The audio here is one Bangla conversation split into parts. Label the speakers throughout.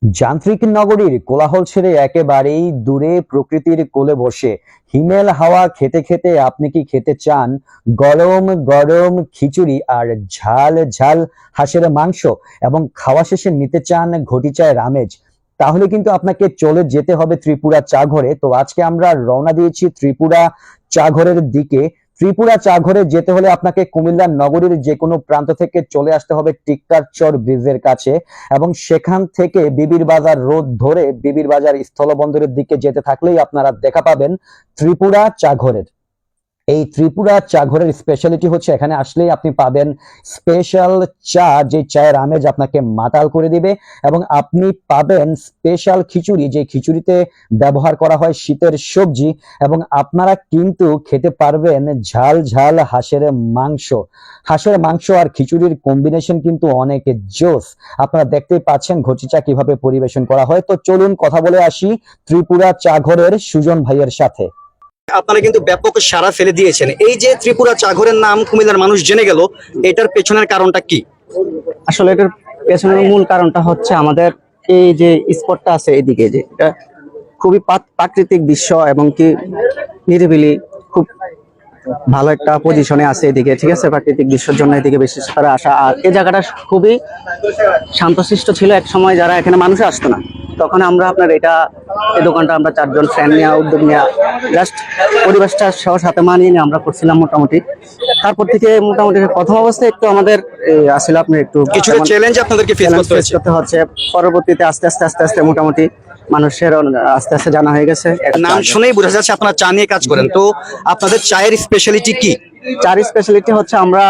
Speaker 1: যান্ত্রিক নগরীর কোলাহল ছেড়ে একেবারেই দূরে প্রকৃতির কোলে বসে হিমেল হাওয়া খেতে খেতে আপনি কি খেতে চান গরম গরম খিচুড়ি আর ঝাল ঝাল হাঁসের মাংস এবং খাওয়া শেষে নিতে চান ঘটি চায়ের আমেজ? তাহলে কিন্তু আপনাকে চলে যেতে হবে ত্রিপুরা চা ঘরে। তো আজকে আমরা রওনা দিয়েছি ত্রিপুরা চা ঘরের দিকে। ত্রিপুরা চা ঘরে যেতে হলে আপনাকে কুমিল্লা নগরীর যে কোনো প্রান্ত থেকে চলে আসতে হবে টিক্কার চর ব্রিজের কাছে, এবং সেখান থেকে বিবির বাজার রোড ধরে বিবির বাজার স্থলবন্দরের দিকে যেতে থাকলেই আপনারা দেখা পাবেন ত্রিপুরা চা ঘরের। এই ত্রিপুরা চা ঘরের স্পেশালিটি হচ্ছে এখানে আসলেই আপনি পাবেন স্পেশাল চা, যে চায়ের আমেজ আপনাকে মাতাল করে দিবে, এবং আপনি পাবেন স্পেশাল খিচুড়ি, যে খিচুড়িতে ব্যবহার করা হয় শীতের সবজি, এবং আপনারা কিন্তু খেতে পারবেন ঝাল ঝাল হাঁসের মাংস। হাঁসের মাংস আর খিচুড়ির কম্বিনেশন কিন্তু অনেক জোস। আপনারা দেখতেই পাচ্ছেন ঘটি চা কিভাবে পরিবেশন করা হয়। তো চলুন কথা বলে আসি ত্রিপুরা চা ঘরের সুজন ভাইয়ের সাথে।
Speaker 2: আপনারা কিন্তু ব্যাপক সাড়া ফেলে দিয়েছেন। এই যে ত্রিপুরা চাঘরের নাম কুমিল্লার মানুষ জেনে গেল, এটার পেছনের কারণটা কি?
Speaker 3: আসলে এটার পেছনের মূল কারণটা হচ্ছে আমাদের এই যে স্পটটা আছে এদিকে, যে এটা খুবই প্রাকৃতিক দৃশ্য এবং কি নিরিবিলি, খুব ভালো একটা পজিশনে আছে এদিকে, ঠিক আছে। প্রাকৃতিক দৃশ্যের জন্য এদিকে বিশেষ করে আসা। আর এই জায়গাটা খুবই শান্তশিষ্ট ছিল এক সময়, যারা এখানে মানুষ আসতো না, তখন আমরা আপনার এই দোকানটা আমরা চারজন ফ্রেন্ড নিয়ে উদ্যোগ নিয়ে জাস্ট পরিবেশটা সহ সাথে মানিয়ে নিয়ে আমরা করছিলাম মোটামুটি। তারপর থেকে মোটামুটি প্রথম অবস্থায় একটু আমাদের আসলে আপনার একটু
Speaker 2: কিছু চ্যালেঞ্জ আপনাদেরকে ফেস করতে
Speaker 3: হচ্ছে। পরবর্তীতে আস্তে আস্তে আস্তে আস্তে মোটামুটি মানুষের আস্তে আস্তে জানা হয়ে গেছে।
Speaker 2: নাম শুনেই বোঝা যাচ্ছে আপনারা চা নিয়ে কাজ করেন। তো আপনাদের চায়ের স্পেশালিটি কি?
Speaker 3: চার স্পেশালিটি হচ্ছে আমরা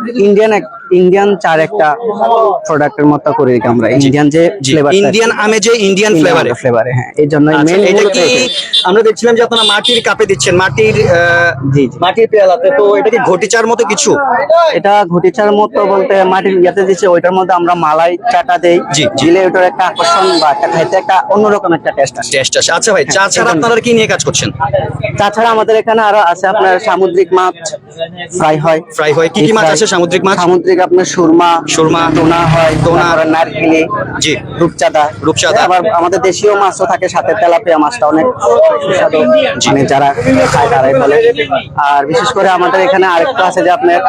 Speaker 3: ইন্ডিয়ান চার একটা প্রোডাক্টের মতো করে রেখে আমরা ইন্ডিয়ান যে ফ্লেভার,
Speaker 2: ইন্ডিয়ান আমেজে ইন্ডিয়ান ফ্লেভারে,
Speaker 3: হ্যাঁ, এই জন্য
Speaker 2: এটা কি আমরা দেখছিলাম যে আপনারা মাটির কাপে দিচ্ছেন, মাটির পেয়ালাতে। তো এটা কি ঘটি চার মতো কিছু?
Speaker 3: এটা ঘটি চার মতো বলতে মাটির ইয়াতে দিচ্ছে, ওইটার মধ্যে আমরা মালাই চাটা দেই, দিলে ওটার একটা আকর্ষণ বা একটা খাইতে একটা অন্যরকম একটা টেস্ট আসে।
Speaker 2: আচ্ছা ভাই, চা ছাড়া আপনারা কি নিয়ে কাজ করছেন?
Speaker 3: তাছাড়া আমাদের এখানে আরো আছে আপনার সামুদ্রিক মাছ ফ্রাই হয়।
Speaker 2: কি মাছ আছে সামুদ্রিক মাছ?
Speaker 3: সামুদ্রিক আপনার সুরমা, টোনা হয়, নারকেলি,
Speaker 2: জি,
Speaker 3: রূপচাঁদা। আবার আমাদের দেশীয় মাছও থাকে সাথে, তেলাপিয়া মাছটা অনেক সুস্বাদু, মানে যারা খায় তারাই বলে। আর বিশেষ করে আমাদের এখানে আরেকটা আছে যে আপনার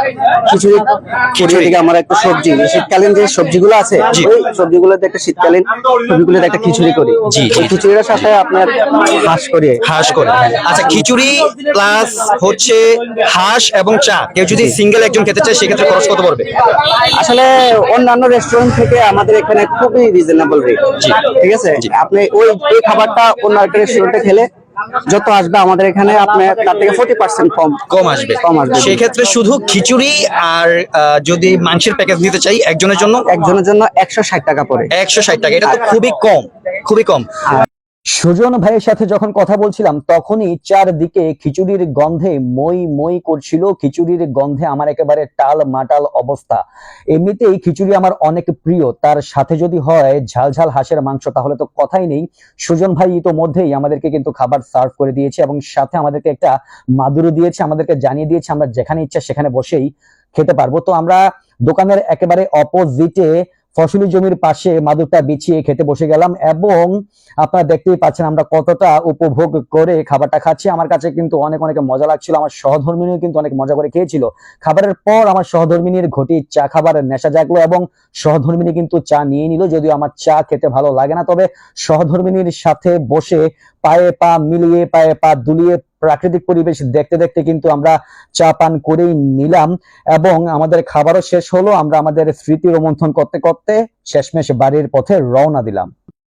Speaker 3: খিচুড়ি থেকে আমরা একটু সবজি, শীতকালীন যে সবজিগুলো আছে ওই সবজিগুলোতে একটা শীতকালীন সবজিগুলোতে একটা খিচুড়ি করি। ওই খিচুড়ির সাথে আপনার হাঁস করি।
Speaker 2: আচ্ছা, খিচুড়ি প্লাস হচ্ছে হাঁস এবং চা, কেউ যদি সিঙ্গেল একজন খেতে চায় সেক্ষেত্রে খরচ কত পড়বে?
Speaker 3: আসলে অন্যান্য রেস্টুরেন্ট থেকে আমাদের এখানে খুবই রিজনেবল রেট, ঠিক আছে। আপনি ওই খাবারটা অন্য একটা রেস্টুরেন্টে খেলে যত আসবে আমাদের এখানে আপনার তার থেকে 40% কম আসবে।
Speaker 2: সেক্ষেত্রে শুধু খিচুড়ি আর যদি মাংসের প্যাকেজ নিতে চাই একজনের জন্য
Speaker 3: 160 টাকা পড়ে।
Speaker 2: 160 টাকা, এটা তো খুবই কম।
Speaker 1: সুজন ভাইয়ের সাথে যখন কথা বলছিলাম তখনই চারদিকে খিচুড়ির গন্ধে মই মই করছিল। খিচুড়ির গন্ধে আমার একেবারে টাল মাটাল অবস্থা। এমনিতেই খিচুড়ি আমার অনেক প্রিয়, তার সাথে যদি হয় ঝাল ঝাল হাঁসের মাংস তাহলে তো কথাই নেই। সুজন ভাই ইতোমধ্যেই আমাদেরকে কিন্তু খাবার সার্ভ করে দিয়েছে এবং সাথে আমাদেরকে একটা মাদুরও দিয়েছে, আমাদেরকে জানিয়ে দিয়েছে আমরা যেখানে ইচ্ছা সেখানে বসেই খেতে পারবো। তো আমরা দোকানের একেবারে অপোজিটে ফসলি জমির পাশে মাদুরটা বিছিয়ে খেতে বসে গেলাম, এবং আপনারা দেখতেই পাচ্ছেন আমরা কতটা উপভোগ করে খাবারটা খাচ্ছি। আমার কাছে কিন্তু অনেক মজা লাগছিল। আমার সহধর্মিনীও কিন্তু অনেক মজা করে খেয়েছিল। খাবারের পর আমার সহধর্মিনীর ঘটি চা খাবারের নেশা জাগলো এবং সহধর্মিনী কিন্তু চা নিয়ে নিল। যদিও আমার চা খেতে ভালো লাগে না, তবে সহধর্মিনীর সাথে বসে পায়ে পা মিলিয়ে পায়ে পা দুলিয়ে প্রাকৃতিক পরিবেশ দেখতে দেখতে কিন্তু আমরা চা পান করেই নিলাম, এবং আমাদের খাবারও শেষ হলো। আমরা আমাদের স্মৃতি রোমন্থন করতে করতে শেষমেশ বাড়ির পথে রওনা দিলাম।